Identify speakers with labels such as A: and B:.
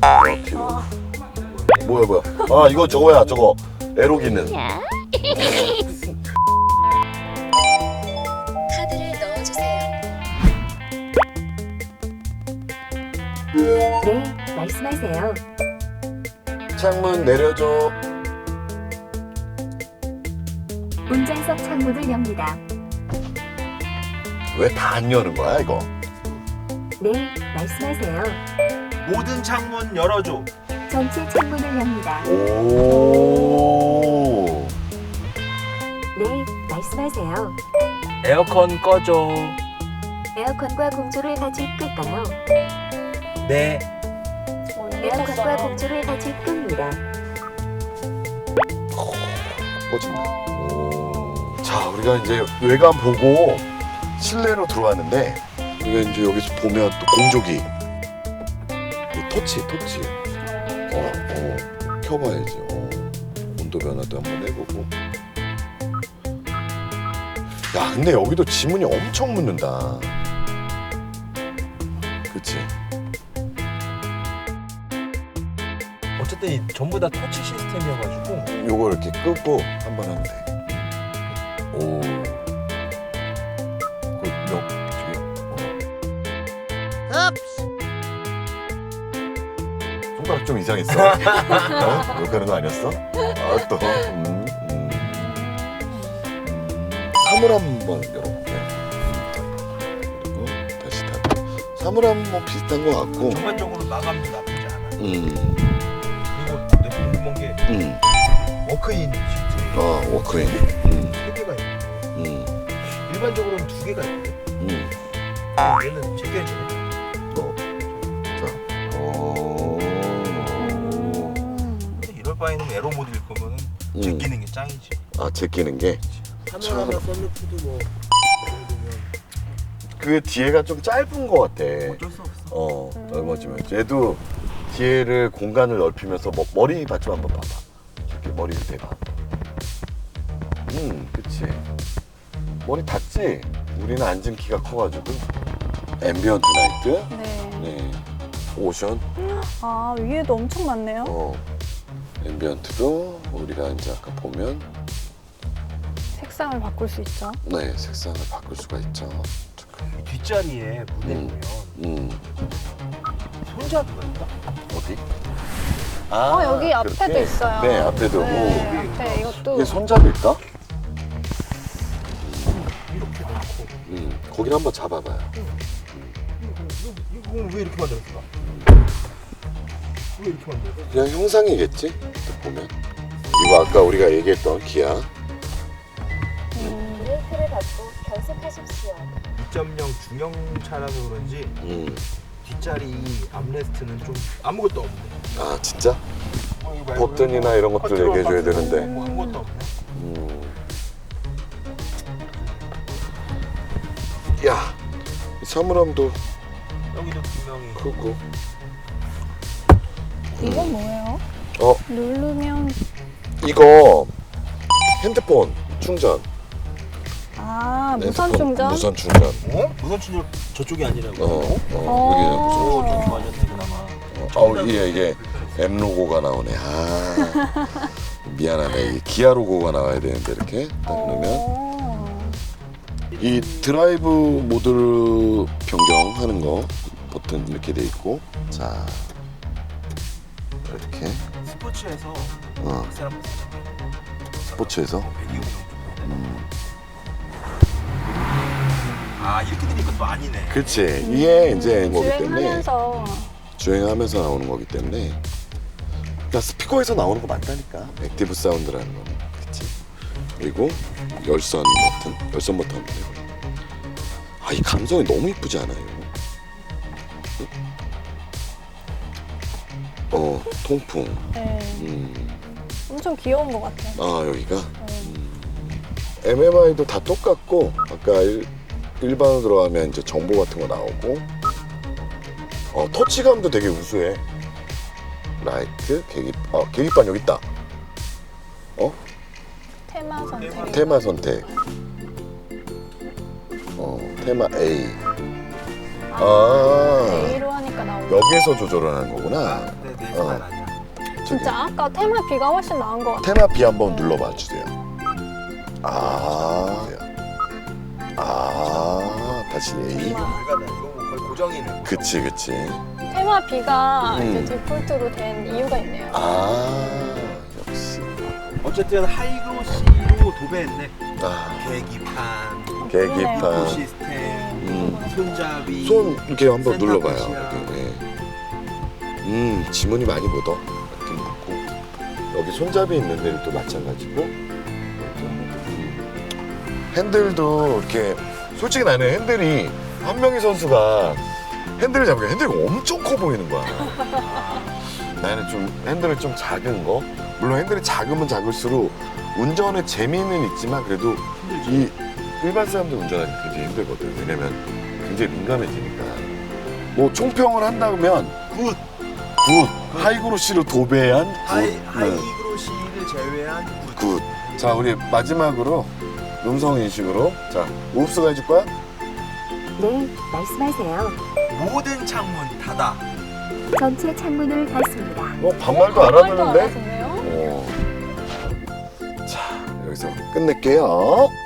A: 뭐야. 아, 이거 저거야, 저거. 에로 기능.
B: 카드를 넣어주세요.
C: 네, 말씀하세요.
A: 창문 내려줘.
C: 운전석 창문을 엽니다.
A: 왜 다 안 여는 거야, 이거?
C: 네, 말씀하세요.
D: 모든 창문 열어줘.
C: 전체 창문을 엽니다.
A: 오.
C: 네, 말씀하세요.
D: 에어컨 꺼줘.
C: 에어컨과 공조를 같이 끌까요?
D: 네.
C: 에어컨과 공조를 같이 끕니다.
A: 꺼진다. 자, 우리가 이제 외관 보고 실내로 들어왔는데, 우리가 이제 여기서 보면 또 공조기. 토치. 켜봐야지. 온도 변화도 한번 해보고. 야, 근데 여기도 지문이 엄청 묻는다. 그치?
D: 어쨌든 전부 다 터치 시스템이어가지고
A: 요거 이렇게 끄고 한번 하면 돼. 오. 손가락 좀 이상했어. 욕하는 거 아니었어? 아, 또. 사물 한번 열어볼게요. 그리고 다시 닫고. 사물 한번 비슷한 거 같고.
D: 전반적으로 마감도 나쁘지 않아. 그리고 내가 궁금한 게 워크인 시트
A: 워크인.
D: 3개가 있고 일반적으로는 2개가 있고 얘는 제껴지네. 이럴 바에는 에로 모드일 거면은 제끼는 게 짱이지.
A: 아, 제끼는 게?
D: 카메라나 썬루프도 뭐
A: 그 뒤에가 좀 짧은 거 같아.
D: 어쩔 수 없어.
A: 넓어지면. 얘도 뒤에를 공간을 넓히면서 머리 받침 한번 봐봐. 이렇게 머리를 대봐. 그치. 머리 닿지? 우리는 앉은 키가 커가지고. 앰비언트 라이트. 네. 오션.
E: 아, 위에도 엄청 많네요.
A: 앰비언트도 우리가 이제 아까 보면
E: 색상을 바꿀 수 있죠.
A: 네, 색상을 바꿀 수가 있죠.
D: 이 뒷자리에 무대 보면 손잡이가 있다.
A: 어디?
E: 여기 앞에도
A: 그렇게?
E: 있어요.
A: 네, 앞에도.
E: 네, 앞에 이것도.
A: 이게 손잡이일까?
D: 이렇게 놓고
A: 거기를 한번 잡아봐요.
D: 이거 왜 이렇게 만들었을까? 왜 이렇게 만들었어?
A: 그냥 형상이겠지? 딱 보면. 이거 아까 우리가 얘기했던 기아.
C: 브레이크를 밟고 변속하십시오.
D: 2.0 중형차라서 그런지 뒷자리 암레스트는 좀 아무것도 없네.
A: 아, 진짜?
D: 이거 말고
A: 버튼이나 이런 것들
D: 컨트롤
A: 얘기해줘야
D: 버튼
A: 되는데.
D: 뭐 아무것도 없네.
A: 야, 이 사물함도
D: 여기도 분명히
A: 크고.
E: 이건 뭐예요? 누르면.
A: 이거 핸드폰 충전.
E: 아, 무선
A: 핸드폰
E: 충전?
A: 무선 충전.
D: 무선 충전 저쪽이 아니라고.
A: 여기
D: 오, 좀 좋아졌네 그나마.
A: 이게 M 로고가 나오네. 아, 미안하네. 이 기아 로고가 나와야 되는데 이렇게 딱 넣으면 이 드라이브 모드를 변경하는 거 버튼 이렇게 돼 있고, 자 이렇게
D: 스포츠에서
A: 어,
D: 그 사람
A: 스포츠에서
D: 배기음용 아 이렇게 되니까 또 아니네.
A: 그렇지. 이게 이제 거기 때문에
E: 주행하면서.
A: 주행하면서 나오는 거기 때문에. 그러니까 스피커에서 나오는 거 맞다니까. 액티브 사운드라는 거는. 그렇지. 그리고 열선 버튼. 아, 이 감성이 너무 이쁘지 않아요? 통풍.
E: 네. 엄청 귀여운 것 같아요.
A: 아, 여기가 MMI도 다 똑같고, 아까 일반으로 들어가면 이제 정보 같은 거 나오고, 터치감도 되게 우수해. 라이트, 계기판 여기 있다.
E: 테마 선택.
A: 테마 선택. 테마 A.
E: A로 하니까 색깔 나오네.
A: 여기에서 조절을 하는 거구나.
D: 근데 내
A: 어.
D: 색깔 아니야.
E: 진짜 아까 테마 B가 훨씬 나은 것 같아.
A: 테마 B 한번 눌러봐 주세요. 다시 A.
D: 이거 불가다. 이거 뭐 거의 고정이네.
A: 그치.
E: 테마 B가 이제
A: 음.
E: 디폴트로 된 이유가 있네요.
A: 역시.
D: 어쨌든 하이그로시로 도배했네.
A: 계기판.
E: 그러네요.
D: 시스템, 손잡이.
A: 손 이렇게 한번
D: 센터
A: 눌러봐요.
D: 끝이야.
A: 네. 지문이 많이 묻어. 이렇게 묻고 여기 손잡이 있는 데는 또 마찬가지고. 핸들도 이렇게 솔직히 나는 핸들이 한명희 선수가 핸들을 잡으니까 핸들이 엄청 커 보이는 거야. 나는 좀 핸들을 좀 작은 거. 물론 핸들이 작으면 작을수록 운전의 재미는 있지만 그래도 이 일반 사람들 운전하기 굉장히 힘들거든. 왜냐면 굉장히 민감해지니까. 뭐 총평을 한다면 굿. 하이그로시로 도배한
D: 하이그로시를 제외한
A: 굿. 자, 우리 마지막으로 음성 인식으로 자, 우흡수가 해줄 거야?
C: 네, 말씀하세요.
D: 모든 창문 닫아.
C: 전체 창문을 닫습니다.
A: 반말도 알아듣는데?
E: 알아듣네요.
A: 자, 여기서 끝낼게요.